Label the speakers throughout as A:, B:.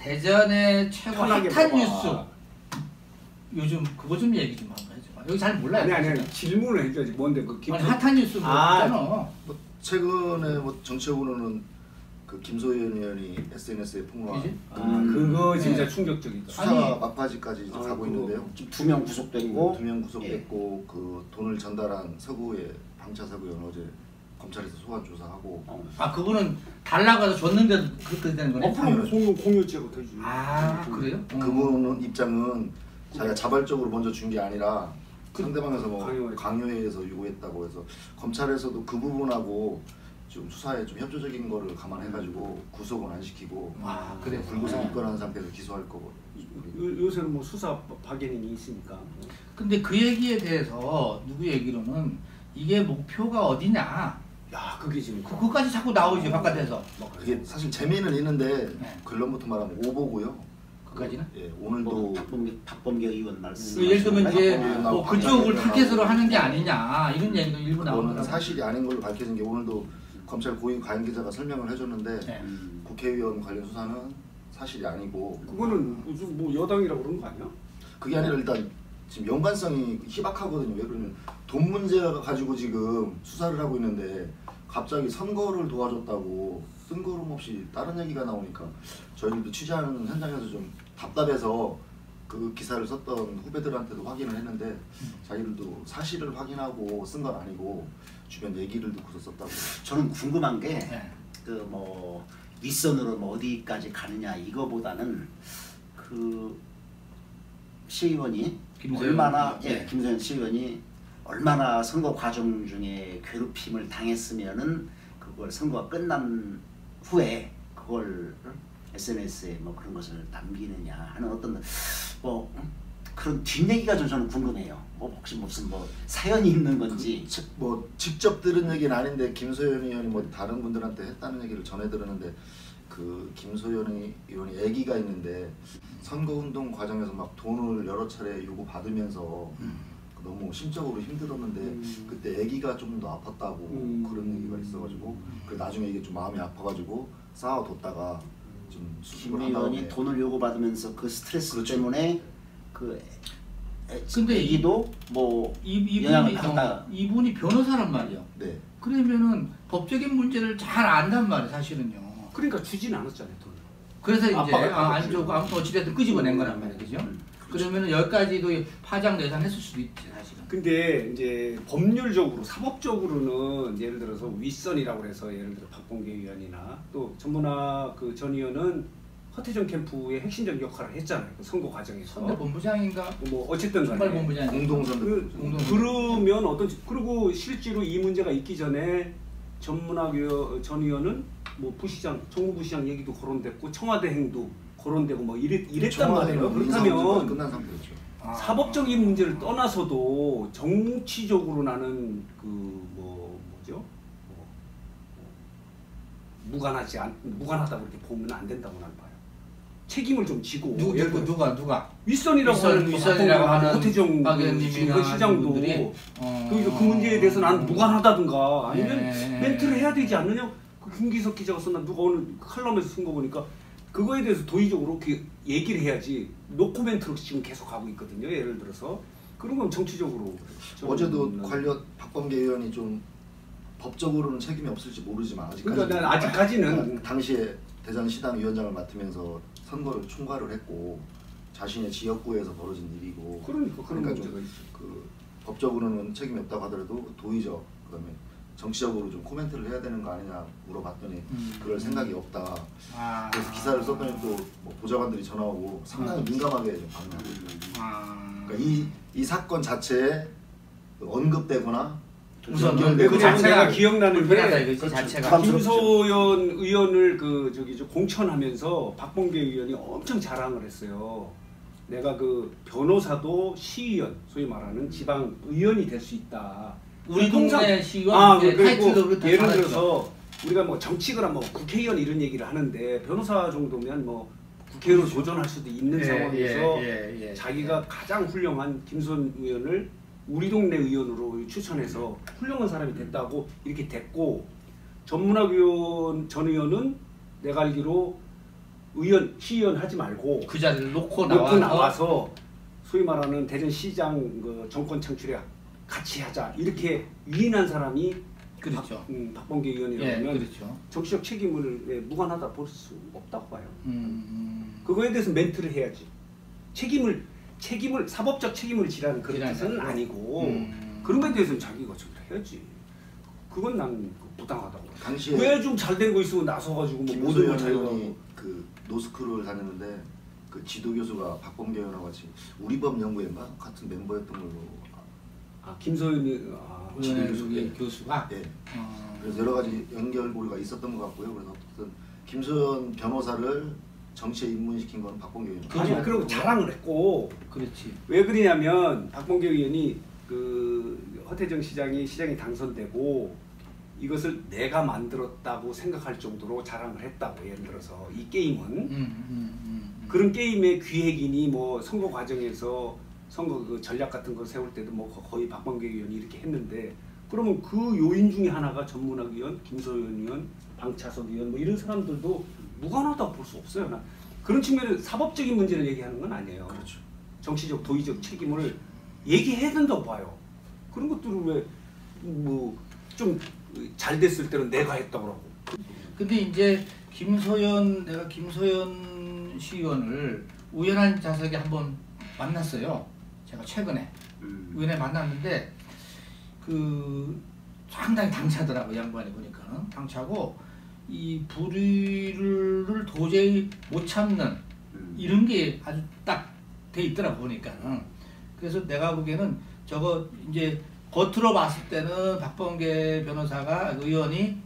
A: 대전의 최고
B: 편하게
A: 핫한
B: 물어봐.
A: 뉴스 요즘 그거 좀 얘기 좀 한번 해줘. 여기 잘 몰라요.
B: 아니 질문을 해줘야지. 뭔데 그
A: 아니 핫한 뉴스 뭐 있잖아.
C: 뭐 최근에 뭐 정치적으로는 그 김소연 의원이 SNS에 폭로한
B: 그거 진짜 충격적이다.
C: 수사
A: 아니,
C: 막바지까지 이제 가고 있는데요.
D: 지금 2명 구속됐고
C: 2명 구속됐고 그 돈을 전달한 서구의 방차 서구의원 어제 검찰에서 소환 조사하고.
A: 아 그분은 달라가서 줬는데도 그렇게 되는 거네.
B: 그럼 공유죄가 되지.
A: 아 그래요?
C: 그분은 입장은 자기가 자발적으로 먼저 준 게 아니라 상대방에서 뭐
B: 강요해서.
C: 강요해서 요구했다고 해서 검찰에서도 그 부분하고 좀 수사에 좀 협조적인 거를 감안해가지고 구속은 안 시키고
A: 그래
C: 불구속 입건한 상태에서 기소할 거고.
B: 요새는 뭐 수사 박연인이 있으니까.
A: 근데 그 얘기에 대해서 누구 얘기로는 이게 목표가 어디냐
B: 야 그게 지금
A: 그거까지 자꾸 나오지 바깥에서.
C: 그게 사실 재미는 있는데
A: 네.
C: 결론부터 말하면 오보고요.
A: 그까지는?
C: 예, 오늘도
D: 박범계 의원 말씀.
A: 예를 들면 이제
C: 나오고
A: 뭐 그쪽을
C: 나오고
A: 타겟으로 하는 게 아니냐 이런 얘기도 일부
C: 그거는
A: 나오더라고요.
C: 사실이 아닌 걸로 밝혀진 게 오늘도 검찰 고위 과잉 기자가 설명을 해줬는데
A: 네.
C: 국회의원 관련 수사는 사실이 아니고
B: 그거는 무슨 뭐 여당이라고 그런 거 아니야?
C: 그게 아니라 일단 지금 연관성이 희박하거든요. 왜 그러면 돈 문제가 가지고 지금 수사를 하고 있는데 갑자기 선거를 도와줬다고 뜬구름 없이 다른 얘기가 나오니까 저희들도 취재하는 현장에서 좀 답답해서 그 기사를 썼던 후배들한테도 확인을 했는데 자기들도 사실을 확인하고 쓴 건 아니고 주변 얘기를 듣고서 썼다고.
D: 저는 궁금한 게
A: 네.
D: 그 뭐 윗선으로 뭐 어디까지 가느냐 이거보다는 그 시의원이
A: 김소연
D: 얼마나
A: 네.
D: 김소연 시의원이 얼마나 선거 과정 중에 괴롭힘을 당했으면은 그걸 선거가 끝난 후에 그걸 SNS에 뭐 그런 것을 남기느냐 하는 어떤 뭐 그런 뒷얘기가 좀 저는 궁금해요. 뭐 혹시 무슨 뭐 사연이 있는 건지.
C: 뭐 직접 들은 얘기는 아닌데 김소연 의원이 뭐 다른 분들한테 했다는 얘기를 전해 들었는데 그 김소연 의원이 아기가 있는데 선거운동 과정에서 막 돈을 여러 차례 요구 받으면서 너무 심적으로 힘들었는데 그때 아기가 좀 더 아팠다고 그런 얘기가 있어가지고 그 나중에 이게 좀 마음이 아파가지고 쌓아뒀다가 좀
D: 김 의원이 돈을 요구받으면서 그 스트레스
C: 그렇죠.
D: 때문에 그
A: 근데
D: 애기도 뭐 영향을 받다.
A: 이분이 변호사란 말이야.
C: 네.
A: 그러면은 법적인 문제를 잘 안단 말이야 사실은요.
B: 그러니까 주진 않았잖아요 돈.
A: 그래서 이제
B: 아빠가
A: 안 좋고 아무튼 어찌됐든 끄집어낸 거란 말이야, 그죠? 그러면은 여기까지도 파장 예상했을 수도 있지 사실은.
B: 근데 이제 법률적으로 사법적으로는 예를 들어서 윗선이라고 해서 예를 들어 박범계 의원이나 또 전문화 그 전 의원은 허태정 캠프의 핵심적 역할을 했잖아요. 그 선거 과정에서.
A: 선대 본부장인가?
B: 뭐 어쨌든
A: 선발
B: 간에
A: 본부장.
C: 공동선대
B: 그러면 어떤 그리고 실제로 이 문제가 있기 전에 전문화 전 의원은 뭐 부시장 정무부 시장 얘기도 거론됐고 청와대 행도 거론되고 뭐 이랬단 말이에요. 그렇다면
C: 끝난 상태였죠.
B: 사법적인 문제를 떠나서도 정치적으로 나는 그 뭐죠? 무관하다고 이렇게 보면 안 된다고 나는 봐요. 책임을 좀 지고
A: 누가
B: 윗선이라고 하는
A: 허태정
B: 박 의원님이나 시장도 그 문제에 대해서 나는 무관하다든가 아니면 멘트를 해야 되지 않느냐? 그 김기석 기자가 썼나 누가 오늘 칼럼에서 쓴 거 보니까 그거에 대해서 도의적으로 얘기를 해야지 노코멘트로 지금 계속 가고 있거든요. 예를 들어서 그런 건 정치적으로
C: 어제도 관련 박범계 의원이 좀 법적으로는 책임이 없을지 모르지만
B: 그러니까 아직까지는
C: 당시에 대전시당 위원장을 맡으면서 선거를 총괄을 했고 자신의 지역구에서 벌어진 일이고
B: 그러니까 그런 문제가
C: 좀
B: 있어.
C: 그 법적으로는 책임이 없다고 하더라도 도의적 그다음에 정치적으로 좀 코멘트를 해야 되는 거 아니냐 물어봤더니 그럴 생각이 없다. 그래서 기사를 썼더니 또 뭐 보좌관들이 전화 오고 상당히 민감하게 좀 반응하고 그러니까 이 사건 자체에 언급되거나
A: 우선
B: 그 자체가 기억나는 게
A: 그 자체가
B: 김소연 의원을 공천하면서 박범계 의원이 엄청 자랑을 했어요. 내가 그 변호사도 시의원, 소위 말하는 지방 의원이 될 수 있다.
A: 우리 동네 시의원 타이틀로
B: 예를 들어서 우리가 뭐 정치거나 뭐 국회의원 이런 얘기를 하는데 변호사 정도면 뭐 국회의원 도전할 수도 있는 상황에서 자기가 가장 훌륭한 김소연 의원을 우리 동네 의원으로 추천해서 훌륭한 사람이 됐다고 이렇게 됐고 전문학 의원 전 의원은 내가 알기로 의원, 시의원 하지 말고
A: 그 자리를 놓고
B: 나와서 소위 말하는 대전시장 그 정권 창출에 같이 하자 이렇게 위인한 사람이
A: 그렇죠.
B: 박범계 의원이라면
A: 예, 그렇죠.
B: 정치적 책임을 무관하다 볼 수 없다고 봐요. 그거에 대해서 멘트를 해야지. 책임을 사법적 책임을 지라는 그런 뜻은 아니고 그런 거에 대해서는 자기가 좀 해야지. 그건 난 부당하다고.
C: 당시에
B: 왜 좀 잘 되고 있으면 나서가지고 뭐 모든 걸 자기가
C: 의원이 그 노스쿨을 다녔는데 그 지도 교수가 박범계 의원하고 같이 우리법 연구회인가 같은 멤버였던 걸로.
B: 김소연
A: 의원의 교수가.
C: 예. 그래서 여러 가지 연결고리가 있었던 것 같고요. 그래서 어쨌든 김소연 변호사를 정치에 입문시킨 건 박범계 의원.
B: 아니 그리고 자랑을 했고.
A: 그렇지.
B: 왜 그러냐면 박범계 의원이 그 허태정 시장이 당선되고 이것을 내가 만들었다고 생각할 정도로 자랑을 했다고. 예를 들어서 이 게임은 그런 게임의 기획이니 뭐 선거 과정에서 선거 그 전략 같은 거 세울 때도 뭐 거의 박범계 의원이 이렇게 했는데 그러면 그 요인 중에 하나가 전문학 위원, 김소연 의원, 방차석 의원 뭐 이런 사람들도 무관하다고 볼 수 없어요. 나 그런 측면에서 사법적인 문제를 얘기하는 건 아니에요.
C: 그렇죠.
B: 정치적 도의적 책임을 얘기해야 된다고 봐요. 그런 것들을 왜 뭐 좀 잘 됐을 때는 내가 했다고 하고.
A: 근데 이제 내가 김소연 시의원을 우연한 자석에 한번 만났어요. 제가 최근에 우연에 만났는데 그 상당히 당차더라고. 양반이 보니까는 당차고 이 불의를 도저히 못 참는 이런 게 아주 딱 돼 있더라고 보니까는. 그래서 내가 보기에는 저거 이제 겉으로 봤을 때는 박범계 변호사가 의원이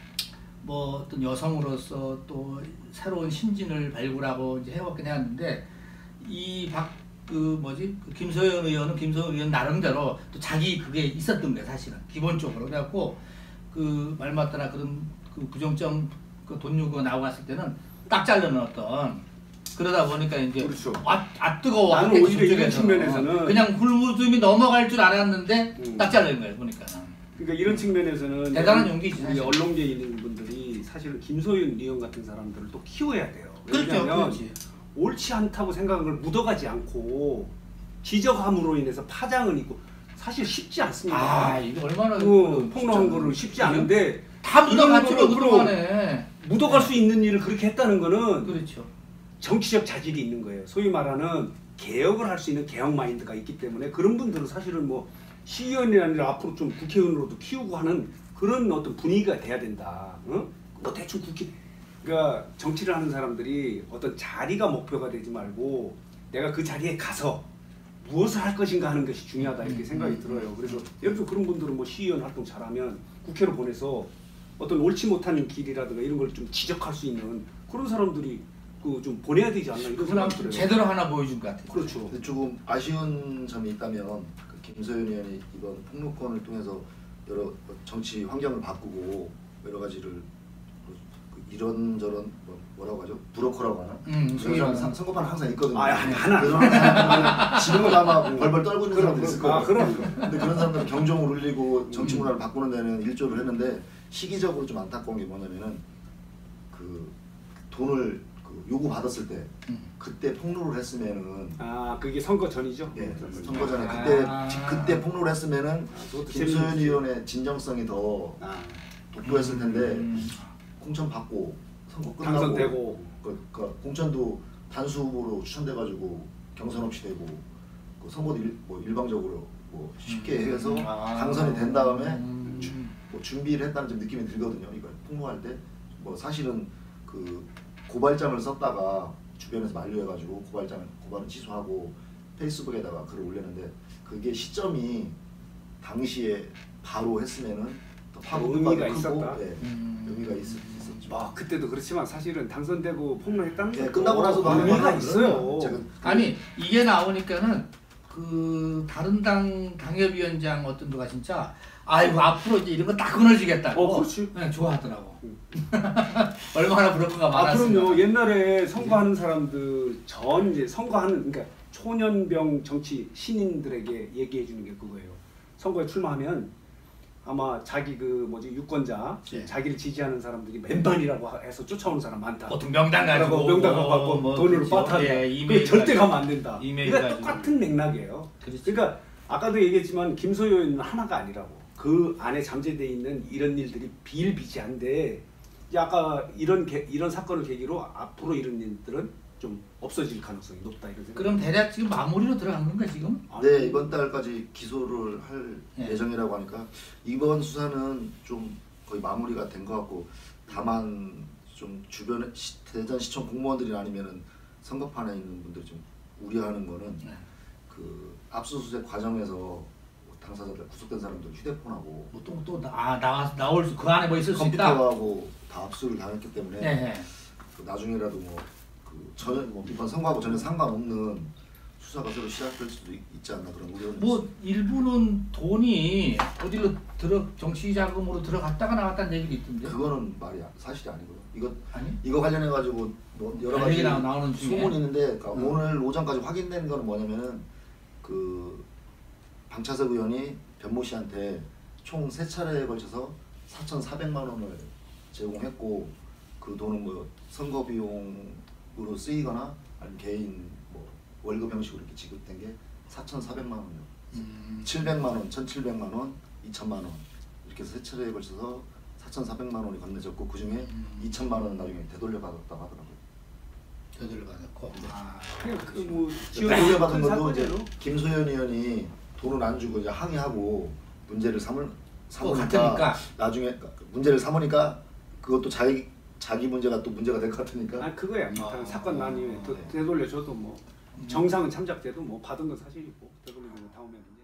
A: 뭐 어떤 여성으로서 또 새로운 신진을 발굴하고 이제 해왔긴 해왔는데 이 김소연 의원 나름대로 또 자기 그게 있었던 거야 사실은 기본적으로. 그래갖고 그 말 맞다나 그런 그 부정점 그 돈 요구 나오고 갔을 때는 딱 자르는 어떤 그러다 보니까 이제
B: 그렇죠.
A: 뜨거워.
B: 나는 오히려 이런 측면에서는
A: 그냥 hul무즘이 넘어갈 줄 알았는데 딱 자르는 거예요 보니까.
B: 그러니까 이런 측면에서는
A: 대단한 용기지.
B: 우리 언론계에 있는 분들이 사실은 김소연 의원 같은 사람들을 또 키워야 돼요.
A: 그렇죠.
B: 왜냐하면
A: 그렇지.
B: 옳지 않다고 생각한 걸 묻어가지 않고 지적함으로 인해서 파장을 입고 사실 쉽지 않습니다.
A: 이게 얼마나
B: 폭로한 거를 쉽지 않은데
A: 다 묻어갔죠. 그동안에
B: 묻어갈 수 있는 일을 그렇게 했다는 거는
A: 그렇죠.
B: 정치적 자질이 있는 거예요. 소위 말하는 개혁을 할 수 있는 개혁 마인드가 있기 때문에 그런 분들은 사실은 뭐 시의원이 아니라 앞으로 좀 국회의원으로도 키우고 하는 그런 어떤 분위기가 돼야 된다. 뭐 대충 그러니까 정치를 하는 사람들이 어떤 자리가 목표가 되지 말고 내가 그 자리에 가서 무엇을 할 것인가 하는 것이 중요하다 이렇게 생각이 들어요. 그래서 예를 들어 그런 분들은 뭐 시의원 활동 잘하면 국회로 보내서 어떤 옳지 못한 길이라든가 이런 걸 좀 지적할 수 있는 그런 사람들이 그 좀 보내야 되지 않나 이런 생각이 들어요.
A: 제대로 하나 보여준 것 같아요.
B: 그렇죠.
C: 근데 조금 아쉬운 점이 있다면 그 김소연 의원이 이번 폭로건을 통해서 여러 정치 환경을 바꾸고 여러 가지를 이런저런 뭐라고 하죠? 브로커라고 하나? 그런 사람 선거판 항상 있거든요.
B: 하나.
C: 지금은 아마 벌벌 떨고 있는 사람도 있을 거예요.
B: 그럼.
C: 근데 그런 사람들은 경종을 울리고 정치 문화를 바꾸는 데는 일조를 했는데 시기적으로 좀 안타까운 게 뭐냐면은 그 돈을 요구 받았을 때 그때 폭로를 했으면은
B: 그게 선거 전이죠?
C: 네, 선거 전에 그때 폭로를 했으면은 김소연 의원의 진정성이 더 돋보였을 텐데 공천 받고 선거 끝나고
B: 당선되고
C: 그러니까 공천도 단수 후보로 추천돼가지고 경선 없이 되고 그 선거도 일방적으로 뭐 쉽게 해서 당선이 된 다음에 뭐 준비를 했다는 좀 느낌이 들거든요. 이걸 폭로할 때 뭐 사실은 그 고발장을 썼다가 주변에서 만류해가지고 고발은 취소하고 페이스북에다가 글을 올렸는데 그게 시점이 당시에 바로 했으면은 더 파급
B: 의미가
C: 크고,
B: 있었다.
C: 네, 의미가 있었죠.
B: 그때도 그렇지만 사실은 당선되고 폭로했다는 게
C: 끝나고 나서도
B: 의미가 있어요.
A: 아니 이게 나오니까는 그 다른 당 당협위원장 어떤 누가 진짜 아이고 앞으로 이제 이런 거 딱 끊어지겠다고.
B: 그렇지.
A: 그냥 좋아하더라고. 얼마나 브로커가 많았으면.
B: 그럼요. 옛날에 선거하는 사람들 이제 선거하는 그러니까 초년병 정치 신인들에게 얘기해 주는 게 그거예요. 선거에 출마하면 아마 자기 그 뭐지 유권자
A: 예.
B: 자기를 지지하는 사람들이 맨반이라고 해서 쫓아오는 사람 많다.
A: 보통 명단 가지고
B: 명단 갖고
A: 뭐
B: 돈으로
A: 그렇죠.
B: 빠타한다.
A: 예,
B: 그게
A: 이메일
B: 절대
A: 가지고.
B: 가면 안 된다.
A: 이메일
B: 그러니까
A: 가지고.
B: 똑같은 맥락이에요.
A: 그렇지.
B: 그러니까 아까도 얘기했지만 김소연은 하나가 아니라고. 그 안에 잠재되어 있는 이런 일들이 비일비재한데 이제 아까 이런 사건을 계기로 앞으로 이런 일들은 좀 없어질 가능성이 높다 이런 생각.
A: 그럼 대략 지금 마무리로 들어간 건가 지금?
C: 네, 이번 달까지 기소를 할
A: 예.
C: 예정이라고 하니까 이번 수사는 좀 거의 마무리가 된 것 같고, 다만 좀 주변에 대전시청 공무원들이 아니면은 선거판에 있는 분들이 좀 우려하는 거는
A: 네.
C: 그 압수수색 과정에서 당사자들 구속된 사람들 휴대폰하고
A: 뭐또 나올 수 그 안에 뭐 있을 수 있다.
C: 컴퓨터하고 다 압수를 당했기 때문에
A: 네.
C: 그 나중에라도 그 전혀 이번 선거하고 전혀 상관없는 수사가 새로 시작될 수도 있지 않나 그런 우려는
A: 뭐
C: 있습니다.
A: 일부는 돈이 어디로 정치 자금으로 들어갔다가 나왔다는 얘기도 있던데.
C: 그거는 사실이 아니고요.
A: 아니?
C: 이거 관련해 가지고 뭐 여러 가지
A: 얘기가 나오는 중에?
C: 소문이 있는데, 그러니까 오늘 오전까지 확인된 거는 뭐냐면은 그 방차석 의원이 변모 씨한테 총 3차례에 걸쳐서 4,400만 원을 제공했고, 그 돈은 뭐 선거 비용으로 쓰이거나 아니면 개인 뭐 월급 형식으로 이렇게 지급된 게 4,400만 원이요. 700만 원, 1,700만 원, 2,000만 원 이렇게 해서 3차례에 걸쳐서 4,400만 원이 건네졌고, 그 중에 2,000만 원은 나중에 되돌려 받았다고 하더라고요.
A: 되돌려 받았고.
B: 그뭐
C: 되돌려 받은 것도 이제 김소연 의원이 돈을 안 주고 이제 항의하고 문제를 삼으니까
A: 같으니까.
C: 나중에 문제를 삼으니까 그것도 자기 문제가 또 문제가 될 것 같으니까.
B: 아 그거야. 뭐 사건 난 이후에
C: 네.
B: 되돌려줘도 뭐 정상은 참작돼도 뭐 받은 건 사실이고 되돌리면 다음에는.